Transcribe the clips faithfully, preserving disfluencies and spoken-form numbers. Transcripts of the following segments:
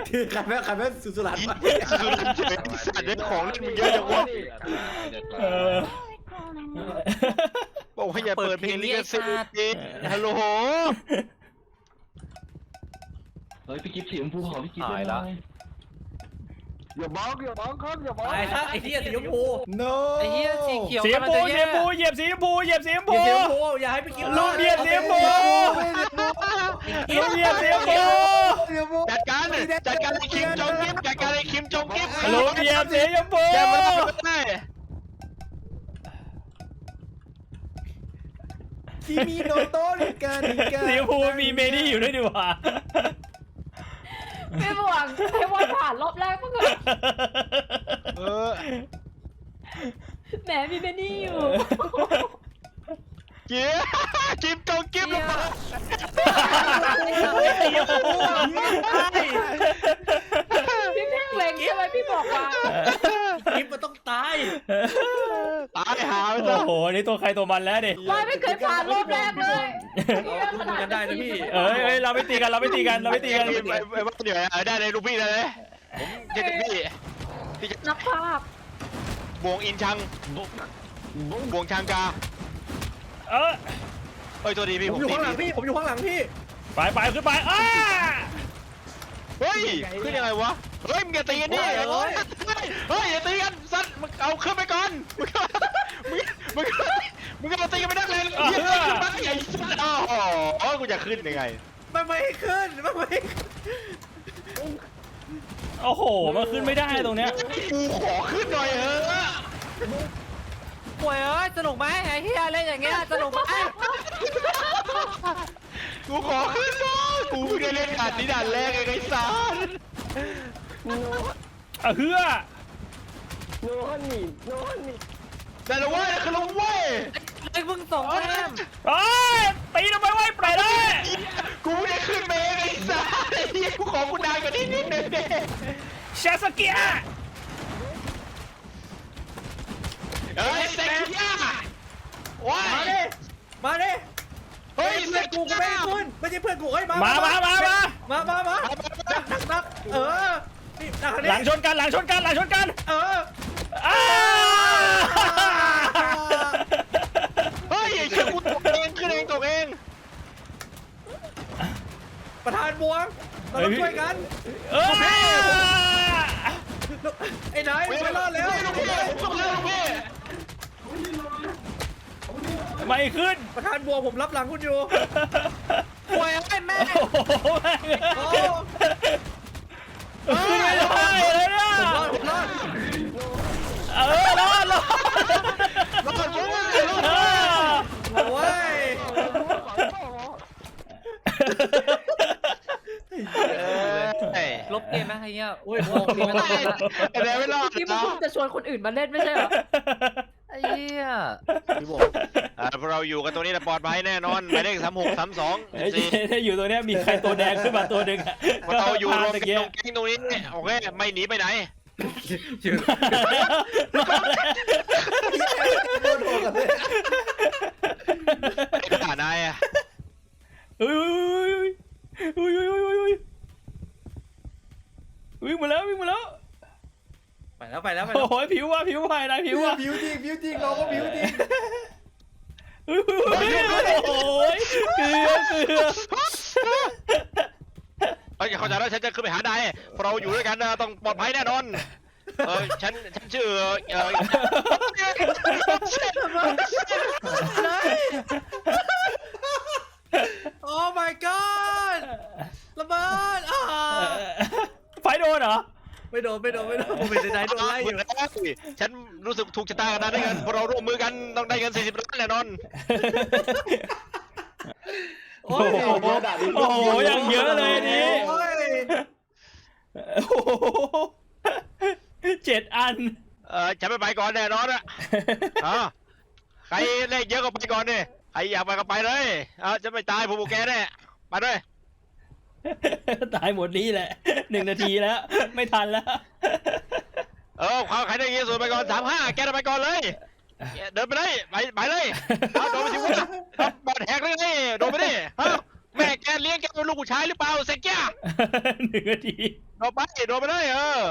ใครแม่ใครแม่สุสุรันสุรันเฉยสัตว์เล่นของเล่นมึงเยอะจังวะบอกให้อย่าเปิดเพลงลิขสิทธิ์ฮัลโหลเฮ้ยพี่กิ๊ฟสีชมพูขอพี่กิ๊ฟตายแล้วอย่าบ้องอย่าบ้องครับอย่าบ้องไอ้ท่าไอ้ที่สีชมพู no ไอ้เหี้ยสีเขียวสีชมพูสีชมพูเหยียบสีชมพูเหยียบสีชมพูสีชมพูอย่าให้ไปกินลูกเหยียบสีชมพูลูกเหยียบสีชมพูจัดการจัดการไอ้คิมจงกิฟจัดการไอ้คิมจงกิฟลูกเหยียบสีชมพูแกมันได้คิมิโนโตะนิกานิกาสีชมพูมีเมดี้อยู่ด้วยดีกว่าไม่หวังให้วันผ่านรอบแรกมั้งเหรอเออแหมมีเบนนี่อยู่เจี๊ยกิฟจงกิฟลงมาพี่เพ่งเล็งใช่ไหมพี่บอกมากิฟมันต้องตายตายหาไปซะโอ้โหนี่ตัวใครตัวมันแล้วดิวายไม่เคยผ่านรอบแรกเลยเราพูดกันได้นะพี่เอ้ยเอ้ยเราไม่ตีกันเราไม่ตีกันเราไม่ตีกันไอ้ไอ้บ้าเหนื่อยได้เลยลูกพี่ได้เลยผมจะเป็นพี่ที่จะนักภาพบวงอินชังบวงชังกาเออเอ้ยตัวดีพี่ผผม มอยู่ตีข้างหลังพี่ผมอยู่ข้างหลังพี่ไปไปขึ้นไปอ้าเฮ้ยขึ้นยังไงวะเฮ้ยมึงอย่าตีกันดิเฮ้ยเฮ้ยอย่าตีกันสัตว์มึงเอาขึ้นไปก่อนมึงมึงมึงมึงมาตีกันไม่ได้เลยยิ่งขึ้นมาใหญ่สัตว์อ๋อกูจะขึ้นยังไงมันไม่ให้ขึ้นมันไม่ให้โอ้โหมันขึ้นไม่ได้ตรงเนี้ยกูขอขึ้นหน่อยเถอะป่วยเอ้ยสนุกไหมไอ้เหี้ยเล่นอย่างเงี้ยสนุกไหมกูขอขึ้นหน่อยกูเพิ่งได้เล่นด่านนี้ด่านแรกไอ้สัสอ่ะเฮือโนฮันนี่โนฮันนี่แต่ละเว้ยคือลงเว้ยไอ้มึงส่งแต้มเอ้ยตีทำไมไว้ปล่อยเลยกูไม่ได้ขึ้นเมย์ไอ้สัสไอ้เหี้ยกูขอกูนานกว่านี้นิดนึงเด้ชาสเกียเฮ้ยเซ็กย่าว้ามาดิมาดิเฮ้ยเพื่เซ็อนกกูก็ไม่ให้ขึ้นไม่ใช่เพื่อนกูเอ้ยมามามามามามามามานักนักนักเออนี่นักหลังชนกันหลังชนกันหลังชนกันเอออ้าเฮ้ยไอ้เชี่ยกูตกเองขึ้นเองตกเองประธานบวงเราต้องช่วยกันเอ้ยไอ้นายไม่รอดแล้วลูกพี่ลูกพี่ลูกพี่ไม่ขึ้นประธานบวงผมรับหลังคุณอยู่ป่วยไอ้แม่โอ้โหโอ้ขึ้นไม่ได้เลยเนี่ยผมรอดผมรอดเออรอดรอดรอดรอดเออโอ้ยลบเกมไหมไอ้เหี้ยโอ้ยบอกดีไม่ได้ไอ้แดงไม่รอดที่มึงนะเพิ่งจะชวนคนอื่นมาเล่นไม่ใช่เหรอไอ้เหี้ยพี่บอกอ่าพวกเราอยู่กันตรงนี้นะปลอดภัยแน่นอนหมายเลขสามหกสามสองไอ้สี่ถ้าอยู่ตรงเนี้ยมีใครตัวแดงขึ้นมาตัวหนึ่งอะเราอยู่รวมตะกันเกียตรงแก๊งตรงนี้โอเคไม่หนีไปไหนโดนโดนกันเลยไอ้ผ่านายอะอุ้ยอุ้ยอุ้ยอุ้ยอุ้ยอุ้ยวิ่งมาแล้ววิ่งมาแล้วไปแล้วไปแล้วไปโอ้แล้วโหผิวว่ะผิวว่ะนายผิวว่ะผิวจริงผิวจริงเราก็ผิวจริงอุ้ยอุ้ยอุ้ยโอ้ยเกลือเกลือเฮ้ยเข้าใจแล้วฉันจะขึ้นไปหานายพวกเราอยู่ด้วยกันนะต้องปลอดภัยแน่นอนเออฉันฉันชื่อเออโอ้ my god ระเบิดอ่าไฟโดนเหรอไม่โดนไม่โดนไม่โดนผมเป็นนายโดนไล่อยู่ฉันรู้สึกถูกชะตากันนะได้เงินพวกเราร่วมมือกันต้องได้เงินสี่สิบล้านแน่นอนโอ้โอ้ยโหโอ้โหอย่างเยอะเลยนี่โอ้ยโอ้โหเจ็ดอันเออฉันไม่ไปก่อนแน่นอนอะอ่าใครเลขเยอะก็ไปก่อนดิใครอยากไปก็ไปเลยเออจะไม่ตายผมบอกแกแน่ไปด้วยตายหมดนี้แหละหนึ่งนาทีแล้วไม่ทันแล้วเออใครได้เงินส่วนไปก่อนสามห้าแกไปก่อนเลยเดินไปเลยไปไปเลยเอาโดนไปสิวะบอดแหกเลยนี่โดนไปดิฮะแม่แกเลี้ยงแกเป็นลูกผู้ชายหรือเปล่าเซ็กแกหนึ่งนาทีโดนไปโดนไปเลยเออ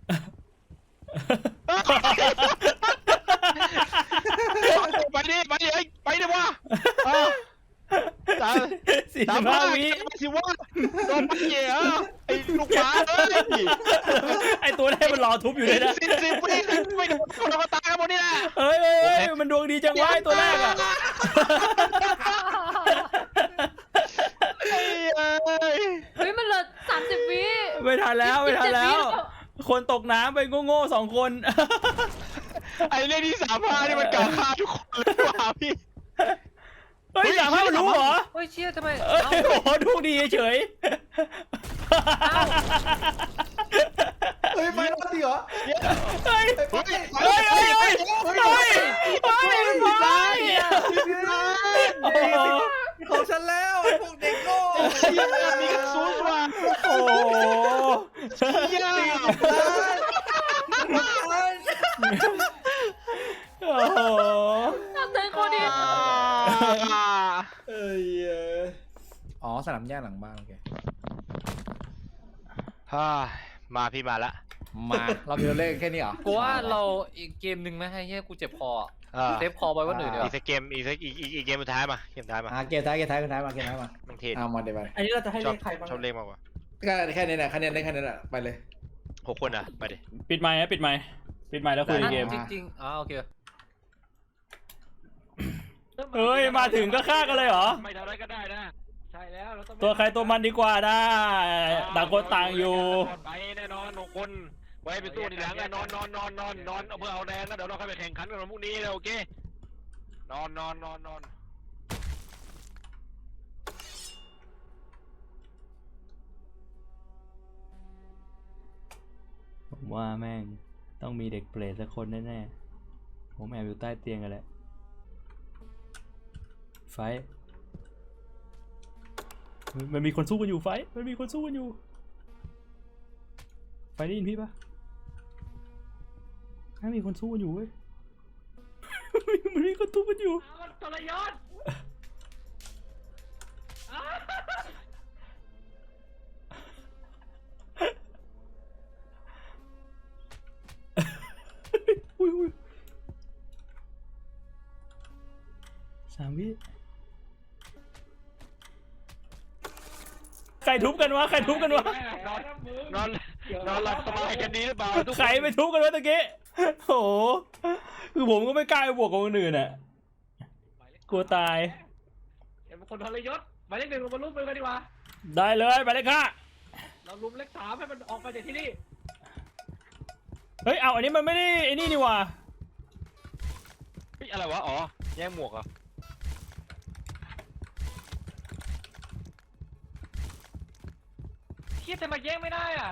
ไปดิไปดิไปดิวะสามสี่สาสิมบห้าห้าวิสิวะโดนไปเหี้ยไอ้ลูกหมาเอ้ยไอตัวแรกมันรอทุบอยู่เลยนะสิบสิบวิไม่โดนคนก็ตายกันหมดนี่แหละเฮ้ยเฮ้ยเฮ้ยมันดวงดีจังวะไอตัวแรกอะเอ้ยเฮ้ยมันเหลือสามสิบวิไม่ทันแล้วไม่ทันแล้ว คนตกน้ำไปโง่ๆสองคนไอ้เรื่องที่สามห้านี่มันกล่าวฆ่าทุกคนเลยว่ะพี่เฮ้ยสามห้ามันรู้เหรอเฮ้ยเชี่ยทำไมเอ้ยเอ้าโอ้โหดวงดีเฉยเฮ้ยไปรอดจริงเหรอเฮ้ยไปเฮ้ยเฮ้ยเฮ้ยเฮ้ยเฮ้ยมันไป โอ้โหของฉันแล้วไอ้พวกเด็กโง่มีกระสุนว่ะโอ้โหเหี้ยโอ้โหทำเธอคนเดียวเอ้ยอ๋อสนามหญ้าหลังบ้านโอเคฮ่ามาพี่มาละมาเรามีตัวเลขแค่นี้เหรอกูว่าเราอีกเกมหนึ่งไหมให้เฮียกูเจ็บคออะอ่าเซฟคอไว้วันอื่นดีกอีว่ากสักเกมอีกสักอีกอีกอีกเกมสุดท้ายมาเกมสุดท้ายมาอ่ะเกมท้ายเกมท้ายเกมท้ายมาเกมท้ายมามันเทศเอามาเดี๋ยวไปอันนี้เราจะให้ชอเลบขใครบ้างชอบเลขมากกว่าก็แค่นี้แหละคะแนนได้แค่นี้แหละไปเลยหกคนอ่ะไปดิปิดไมค์นะปิดไมค์ปิดไมค์แล้วคุยเกมจริงๆอ๋อโอเคเฮ้ยมาถึงก็ฆ่ากันเลยเหรอไม่ทำอะไรก็ได้นะใช่แล้วเราต้องตัวใครตัวมันดีกว่านะต่างคนต่างอยู่ไปแน่นอนหกคนไว้เป็นตู้ทีหลังอะนอนนอนนอนนอนนอนเอาเพื่อเอาแดงแล้วเดี๋ยวเราค่อยไปแข่งขันกันวันพรุ่งนี้นะโอเคนอนนอนนอนนอนผมว่าแม่งต้องมีเด็กเปรตสักคนแน่ๆผมแอบอยู่ใต้เตียงกันแหละไฟท์มันมีคนสู้กันอยู่ไฟท์มันมีคนสู้กันอยู่ไฟท์ได้ยินพี่ปะไม่มีคนสู้กันอยู่เว้ย มันมีคนสู้กันอยู่มันทรยศอุ้ยอุ้ยสามวิใครทุบกันวะใครทุบกันวะนอนนอนนอนหลับสบายกันดีหรือเปล่าทุกใครไปทุบกันวะตะกี้โอ้โหคือผมก็ไม่กล้าไปบวกกับคนอื่นอ่ะกลัวตายเห็นคนทรยศหมายเลขหนึ่งเรามาลุ้มมือกันดีกว่าได้เลยไปเลยค่ะเราลุ้มเลขสามให้มันออกไปจากที่นี่เฮ้ยเอาอันนี้มันไม่ได้ไอ้นี่นี่ว่ะเฮ้ยอะไรวะอ๋อแย่งหมวกเหรอเทียบแต่มาแย่งไม่ได้อ่ะ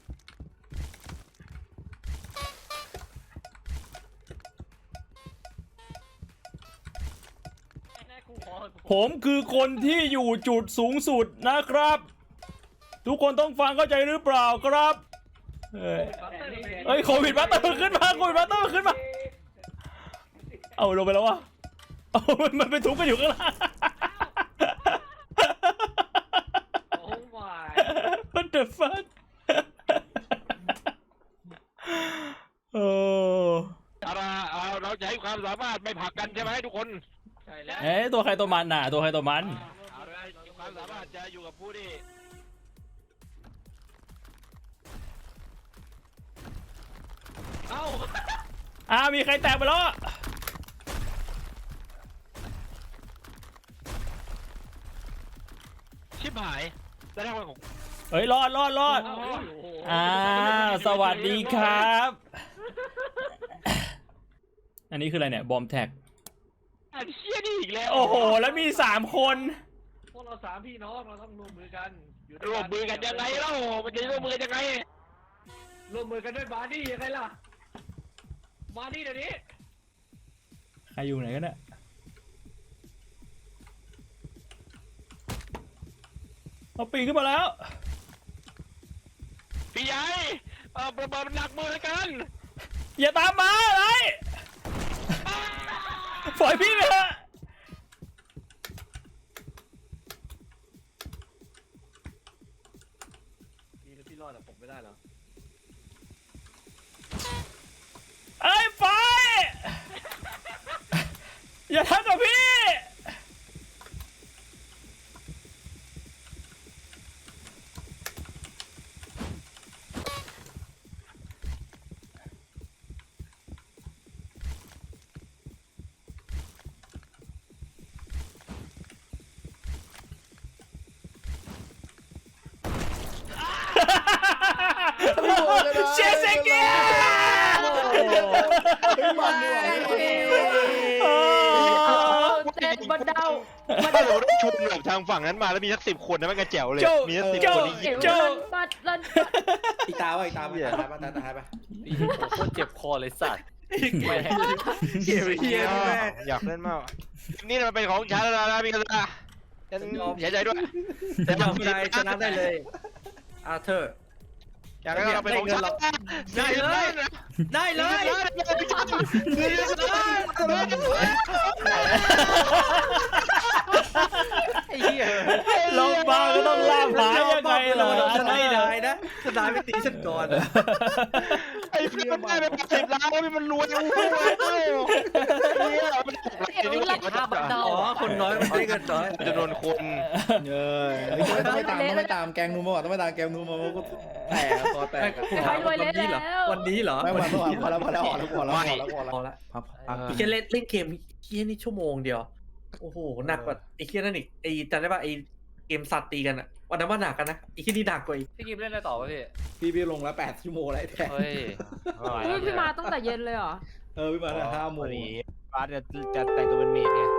แน่กูขอผมคือคนที่อยู่จุดสูงสุดนะครับ ทุกคนต้องฟังเข้าใจหรือเปล่าครับเฮ้ยเฮ้ยโควิดบัตเตอร์ขึ้นมาโควิดบัตเตอร์ขึ้นมาเอาลงไปแล้ววะเอามันมันไปทุบกันอยู่ข้างล่างโอ้ my What the fuck โอ้เอาละเอาเราจะให้ความสามารถไม่ผลักกันใช่ไหมทุกคนใช่แล้วเอ๊ะตัวใครตัวมันน่ะตัวใครตัวมันเอาละความสามารถจะอยู่กับผู้ที่เอ้าอ่ามีใครแตกไปแล้วชิบหายได้ทั้งวันของเฮ้ยรอดรอดรอดอ่าสวัสดีครับ อันนี้คืออะไรเนี่ยบอมแท็กอันเชี่ยนี่อีกแล้วโอ้โหแล้วมีสามคนพวกเราสามพี่น้องเราต้องร่วมมือกันร่วมมือกันยังไงเล่ามันจะร่วมมือกันยังไงร่วมมือกันด้วยบาร์ดี้ยังไงล่ะบาร์ดี้เดี๋ยวนี้ใครอยู่ไหนกันเนี่ยเอาปีนขึ้นมาแล้วพี่ใหญ่เออประเบิดมันหนักมือกันอย่าตามมาอะไรปล่อยพี่ไปเถอะรอดแต่ผมไม่ได้เหรอเอ้ยไฟอย่าทำกับพี่ เชสเกียมันเหนื่อยเต้นบนเดาถ้าสมมติว่าชุมแบบทางฝั่งนั้นมาแล้วมีสักสิบคนนะมันก็แจ๋วเลยมีสักสิบคนนี่เอ๋ยิ้มวรันปัดรันปัดอีกตาวะอีกตาวะตายปะตายตายปะโคตรเจ็บคอเลยสัตว์เกี่ยวเฮียนี่แม่อยากเล่นมากนี่มันเป็นของฉันแล้วนะพี่กระตาฉันเสียใจด้วยแต่ยอมใจชนะได้เลยอาเธอร์อยากให้เราเป็นของฉันได้เลยได้เลย ไอ้เหี้ยลงมาก็ต้องล่าหายังไงล่ะฉันไม่ได้นะฉันได้ไม่ตีฉันก่อนไอ้พี่มันได้ไปสิบล้านแล้วพี่มันรวยโอ้โหเนี่ยมันถูกเอ๋วรันปัดเดาอ๋อคนน้อยมันได้เงินน้อยจำนวนคนเออต้องไม่ตามต้องไม่ตามแกงนูมาต้องไม่ตามแกงนูมาก็แตกคอแตกผมถามวันนี้เหรอวันนี้เหรอไม่วันพอแล้วพอแล้วพอแล้วพอแล้วพอแล้วพอแล้วพอละพับพับไอ้เหี้ยเล่นเล่นเกมเหี้ยนี่ชั่วโมงเดียวโอ้โหหนักกว่าไอ้เหี้ยนั่นอีกไอ้จำได้ป่ะไอ้เกมสัตว์ตีกันอะวันนั้นว่าหนักกันนะไอ้เหี้ยนี่หนักกว่าอีกพี่กิมเล่นอะไรต่อวะพี่พี่พี่ลงแล้วแปดชั่วโมงแล้วแตกเฮ้ยเฮ้ยพี่มาตั้งแต่เย็นเลยเหรอเออพี่มาห้าโมงบาสจะจะแต่งตัวเป็นเมดไง